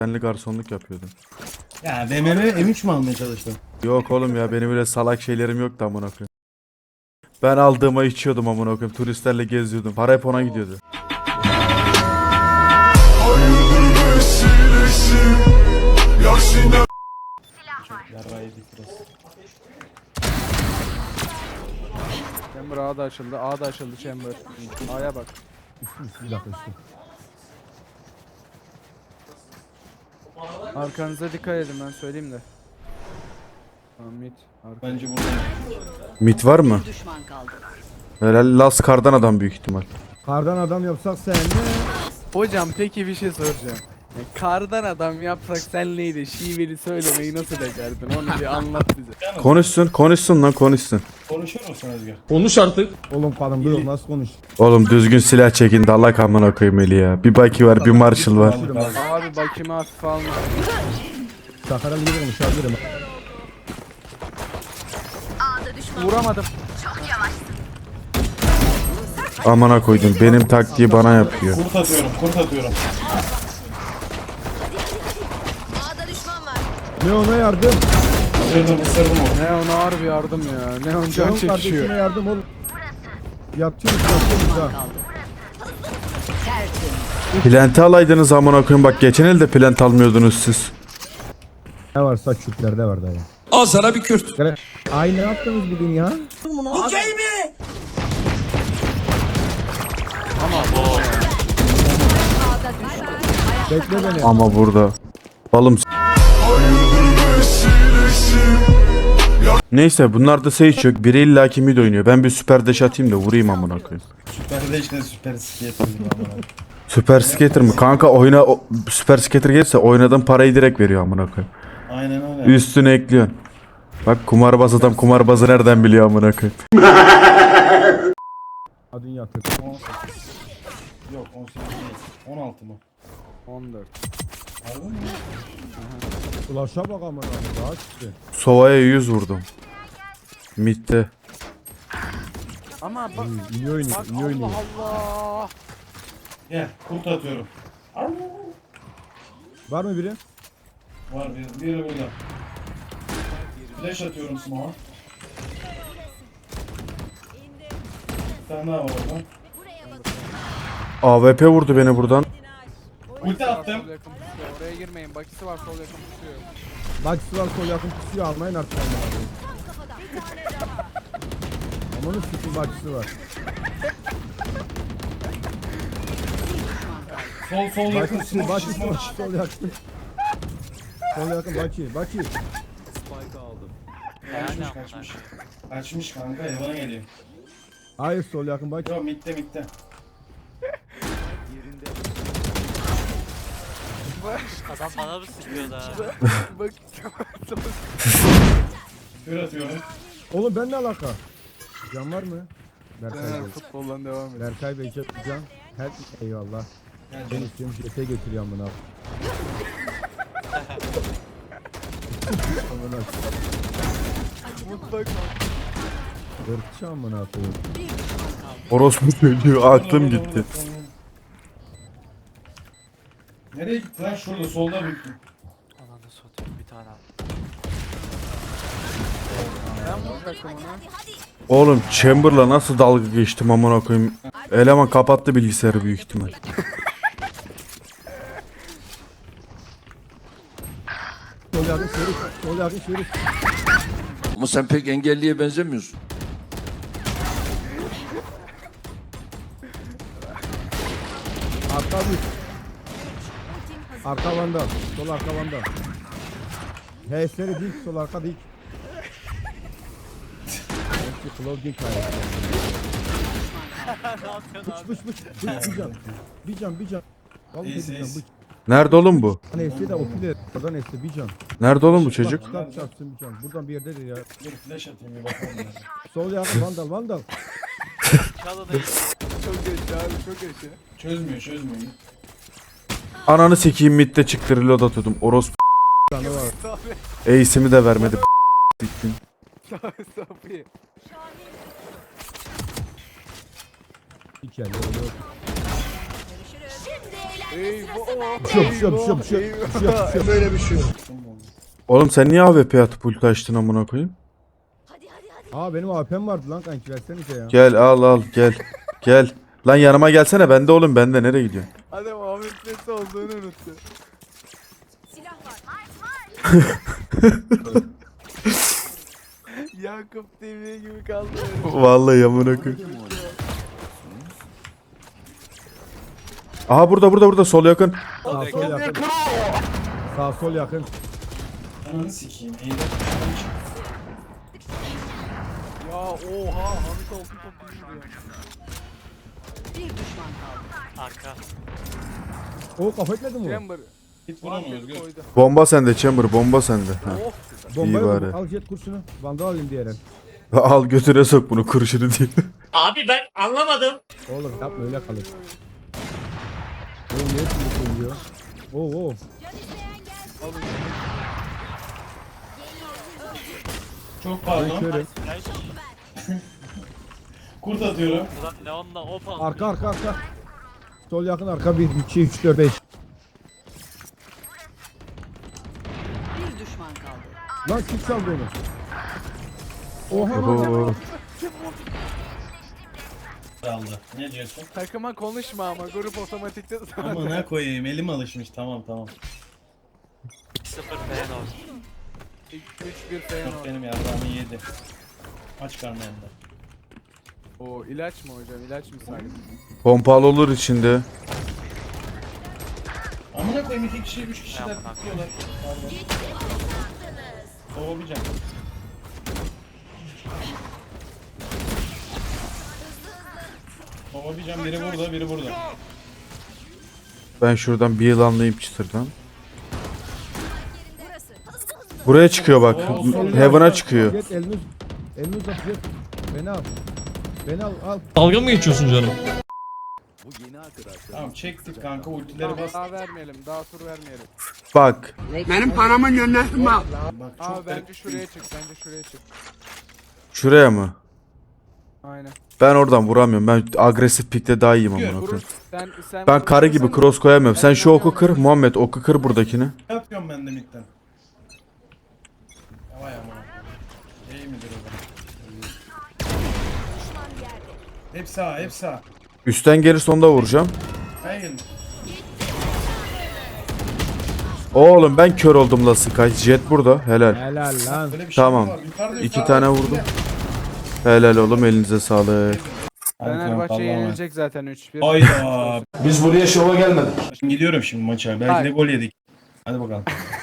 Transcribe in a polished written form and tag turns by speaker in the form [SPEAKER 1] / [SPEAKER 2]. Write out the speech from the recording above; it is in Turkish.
[SPEAKER 1] Benli garsonluk yapıyordum.
[SPEAKER 2] Ya BMW M3 mü almaya çalıştın?
[SPEAKER 1] Yok oğlum ya benim öyle salak şeylerim yoktu amına koyayım. Ben aldığıma içiyordum amına koyayım. Turistlerle geziyordum. Para hep ona gidiyordu.
[SPEAKER 2] Yarrağı yedik biraz.
[SPEAKER 3] Chamber A da açıldı. A da açıldı Chamber. A'ya bak.
[SPEAKER 4] Bir dakika üstüm.
[SPEAKER 3] Arkanıza dikkat edin ben söyleyeyim de. Tamam mid. Arka.
[SPEAKER 2] Bence burada.
[SPEAKER 1] Mit var mı?
[SPEAKER 5] Düşman kaldı.
[SPEAKER 1] Herhalde Las Kardan adam büyük ihtimal.
[SPEAKER 4] Kardan adam yapsak sen ne?
[SPEAKER 3] Hocam peki bir şey soracağım. Kardan adam yapsak sen neydi? Şiveli söylemeyi nasıl becerdin? Onu bir anlat bize.
[SPEAKER 1] Konuşsun lan konuşsun.
[SPEAKER 2] Konuşur musun Özgür?
[SPEAKER 4] Oğlum kadın bu nasıl konuş?
[SPEAKER 1] Oğlum düzgün silah çekin de Allah amına koyayım eli ya. Bir Baki var bir Marshall var.
[SPEAKER 3] Abi bakayım hafif alma.
[SPEAKER 4] Sakaralı gibi konuşabilirim.
[SPEAKER 3] Vuramadım.
[SPEAKER 1] Amına koydum benim taktiği bana yapıyor.
[SPEAKER 2] Kurt atıyorum, kurt atıyorum.
[SPEAKER 5] A'da düşman var.
[SPEAKER 4] Ne ona yardım?
[SPEAKER 2] Isırdım onu.
[SPEAKER 3] Ne ona harbi yardım ya. Ne on can
[SPEAKER 4] Canım
[SPEAKER 3] çekişiyor.
[SPEAKER 4] kardeşime yardım ol. Yatıyoruz ha.
[SPEAKER 5] Tertemiz.
[SPEAKER 1] Plante alaydınız amına koyayım bak geçen elde plant almıyordunuz siz.
[SPEAKER 4] Ne varsa çüplerde var dayı.
[SPEAKER 6] Al sana bir Kürt.
[SPEAKER 4] Ay ne yaptınız bugün ya? Bekle beni.
[SPEAKER 1] Ama burada. Balım Neyse bunlar da Sage yok. Biri illaki mid oynuyor. Ben bir süper dash atayım da vurayım amına koyayım.
[SPEAKER 2] Süper de işte süper skater gibi ama.
[SPEAKER 1] Süper skater mı? Kanka oyuna süper skater gelirse oynadığın parayı direkt veriyor amına koyayım.
[SPEAKER 2] Aynen öyle.
[SPEAKER 1] Üstüne ekliyorsun. Bak kumarbaz adam kumarbazı nereden biliyor amına koyayım.
[SPEAKER 4] Adın yatır.
[SPEAKER 2] 18. Yok 18 değil. 16 mı?
[SPEAKER 3] 14.
[SPEAKER 2] Harbi mi?
[SPEAKER 4] Ulaşa bak amına daha çıktı.
[SPEAKER 1] Sova'ya 100 vurdum. Mid'de.
[SPEAKER 3] Ama bak.
[SPEAKER 4] İyi oynuyor,
[SPEAKER 3] Bak
[SPEAKER 4] iyi oynuyor.
[SPEAKER 3] Allah Allah.
[SPEAKER 2] Gel kurt atıyorum.
[SPEAKER 4] Var mı biri?
[SPEAKER 2] Var biri burada. Flash atıyorum smoke'a. Bir tane daha var orada.
[SPEAKER 1] AWP vurdu beni buradan.
[SPEAKER 2] Ulti attım.
[SPEAKER 3] Sol yakın pusuyor. Oraya girmeyin. Bakisi var sol yakın pusuyor.
[SPEAKER 4] Baksı var sol yakın pusuyor almayın artık. Amanın sütun baksı var.
[SPEAKER 2] Sol yakın
[SPEAKER 4] Baksı,
[SPEAKER 2] smoke.
[SPEAKER 4] baksı,
[SPEAKER 2] Smoke.
[SPEAKER 4] sol yakın. Sol yakın baki.
[SPEAKER 2] Kaçmış. Kaçmış kanka evine geliyor.
[SPEAKER 4] Hayır sol yakın baki.
[SPEAKER 2] Yo mitte.
[SPEAKER 7] Adam bana mı sıkıyor da?
[SPEAKER 3] Bak.
[SPEAKER 2] Kür atıyorum.
[SPEAKER 4] Oğlum ben ne alaka? Can var mı? Berkay Bey.
[SPEAKER 3] Futboldan devam et.
[SPEAKER 4] Berkay Bey can. Her eyvallah.
[SPEAKER 2] Gel
[SPEAKER 4] Ben
[SPEAKER 2] canım.
[SPEAKER 4] istiyorum jete götürüyorum bunu abi. Amına
[SPEAKER 3] Mutlak.
[SPEAKER 4] ırkçı amına koyayım.
[SPEAKER 1] Orospu söylüyor aklım gitti.
[SPEAKER 2] Nereye gitti lan? Şurada solda büyük.
[SPEAKER 7] Ananı satayım bir tane.
[SPEAKER 3] Ben mutlakım ona.
[SPEAKER 1] Oğlum Chamber'la nasıl dalga geçtim amına koyayım. Eleman kapattı bilgisayarı büyük ihtimal.
[SPEAKER 4] Sol yakın şerif. Sol yakın şerif.
[SPEAKER 6] Ama sen pek engelliye benzemiyorsun.
[SPEAKER 4] Arka bir. Arka vandal. Sol arka vandal. HS'leri dik. Sol arka dik. Hepsi Cloud dik hayatı. Bıç. Bir can. Vallahi bir
[SPEAKER 2] İyisin,
[SPEAKER 4] can.
[SPEAKER 2] iyisin.
[SPEAKER 4] Bıç.
[SPEAKER 1] Nerede oğlum bu?
[SPEAKER 4] Neyse de opile. Oradan neyse bir can.
[SPEAKER 1] Nerede oğlum bu çocuk?
[SPEAKER 4] Kitap çarpsın bir can. Buradan bir yerdedir ya.
[SPEAKER 2] Dur flash atayım bir bakalım. ya.
[SPEAKER 4] Sol yakın vandal.
[SPEAKER 7] Çalın
[SPEAKER 3] Çok geç abi çok geç ya.
[SPEAKER 2] Çözmüyor.
[SPEAKER 1] Ananı sikeyim midde çıktı reload atıyordum. Orospu
[SPEAKER 4] Canı var.
[SPEAKER 1] ace'imi de vermedi. Bittin.
[SPEAKER 3] Safi.
[SPEAKER 4] İki el. Öyle yok.
[SPEAKER 5] Şimdi eğlen.
[SPEAKER 1] Oğlum sen niye AWP atıp ulti açtın amına koyayım?
[SPEAKER 5] Hadi hadi hadi.
[SPEAKER 4] Aa benim AP'm vardı lan kanki versenize ya.
[SPEAKER 1] Gel al gel. Gel. Lan yanıma gelsene bende oğlum bende nereye gidiyorsun?
[SPEAKER 3] Adam AWP'si olduğunu unuttu.
[SPEAKER 5] Silah var.
[SPEAKER 3] Yakup TV gibi kaldı.
[SPEAKER 1] Vallahi amına koyayım. Aha burada sol yakın.
[SPEAKER 4] Sağ sol yakın. Sağ sol yakın.
[SPEAKER 2] Ananı sikeyim. Eğlen.
[SPEAKER 3] Ya oha Hamit oldu top vuruyor.
[SPEAKER 5] Bir düşman kaldı.
[SPEAKER 7] Arka.
[SPEAKER 4] O kafa etmedi mi?
[SPEAKER 3] Chamber.
[SPEAKER 2] Git vur onu Özgür.
[SPEAKER 3] Koydu.
[SPEAKER 1] Bomba sende Chamber bomba sende. Ha.
[SPEAKER 3] Oh.
[SPEAKER 4] Bombayı
[SPEAKER 1] İyi bari.
[SPEAKER 4] vur, al jet kurşunu. Vandal alayım diğerin.
[SPEAKER 1] Al götüne sok bunu kurşunu diye.
[SPEAKER 7] Abi ben anlamadım.
[SPEAKER 4] Oğlum yapma öyle kalır. Oğlum niye şimdi koyuyor? Oo.
[SPEAKER 2] Çok
[SPEAKER 4] Ben
[SPEAKER 2] pardon.
[SPEAKER 4] şöyle.
[SPEAKER 2] Kurt atıyorum.
[SPEAKER 7] Ulan Leon'la opa.
[SPEAKER 4] Arka. Sol yakın arka 1, 2, 3, 4, 5.
[SPEAKER 5] Bir düşman kaldı.
[SPEAKER 4] Lan kim çaldı onu? Oha lan.
[SPEAKER 1] Oo.
[SPEAKER 2] Aldı. Ne diyorsun?
[SPEAKER 3] Takıma konuşma ama grup otomatikte
[SPEAKER 2] Ama ne koyayım elim alışmış tamam.
[SPEAKER 7] 0 Feyenoord.
[SPEAKER 3] 3-1 Feyenoord.
[SPEAKER 2] Çok benim yavrağımı yedi. Aç karnı hem de.
[SPEAKER 3] O ilaç mı hocam? İlaç mı sanki?
[SPEAKER 1] Pompalı olur içinde.
[SPEAKER 2] Amına koyayım 2 kişi 3 kişiler
[SPEAKER 7] Amına
[SPEAKER 2] tutuyorlar. Soğumayacağım. Soğumayacağım biri burada biri burada.
[SPEAKER 1] Ben şuradan bir yılanlayayım çıtırdan.
[SPEAKER 5] Burası. Hızlı hızlı.
[SPEAKER 1] Buraya çıkıyor bak.
[SPEAKER 2] Oo, sol
[SPEAKER 1] Heaven'a
[SPEAKER 2] yakın.
[SPEAKER 1] çıkıyor.
[SPEAKER 4] Jet elini uzat jet. Beni al. Beni al.
[SPEAKER 8] Dalga mı geçiyorsun canım?
[SPEAKER 2] Tamam çektik kanka ultileri bas.
[SPEAKER 3] Daha vermeyelim. Daha tur vermeyelim.
[SPEAKER 1] Bak.
[SPEAKER 2] Bak çok
[SPEAKER 3] Abi bence
[SPEAKER 2] garip.
[SPEAKER 3] şuraya çık. Bence şuraya çık.
[SPEAKER 1] Şuraya mı?
[SPEAKER 3] Aynen.
[SPEAKER 1] Ben oradan vuramıyorum. Ben agresif pikte daha iyiyim amına
[SPEAKER 3] Vurur.
[SPEAKER 1] koyayım.
[SPEAKER 3] Sen
[SPEAKER 1] Ben karı gibi cross koyamıyorum. Sen şu oku kır. Muhammed oku kır buradakini.
[SPEAKER 2] Ne yapıyorum ben de midden? Vay amına. İyi midir o zaman?
[SPEAKER 5] Düşman yerde.
[SPEAKER 2] Hep sağ hep sağ.
[SPEAKER 1] Üstten gelirse onu da vuracağım.
[SPEAKER 2] Hayır.
[SPEAKER 1] Oğlum ben kör oldum la Sky. Jet burada. Helal.
[SPEAKER 4] Helal lan.
[SPEAKER 2] Böyle bir şey
[SPEAKER 1] Tamam.
[SPEAKER 2] mi var? Yukarıda,
[SPEAKER 1] 2
[SPEAKER 2] yukarıda.
[SPEAKER 1] tane vurdum. Helal oğlum elinize sağlık.
[SPEAKER 3] Fenerbahçe yenilecek zaten 3-1.
[SPEAKER 2] Hayda.
[SPEAKER 1] Biz buraya şova gelmedik.
[SPEAKER 2] Şimdi gidiyorum şimdi maça. Belki de
[SPEAKER 3] Hayır.
[SPEAKER 2] gol yedik. Hadi bakalım.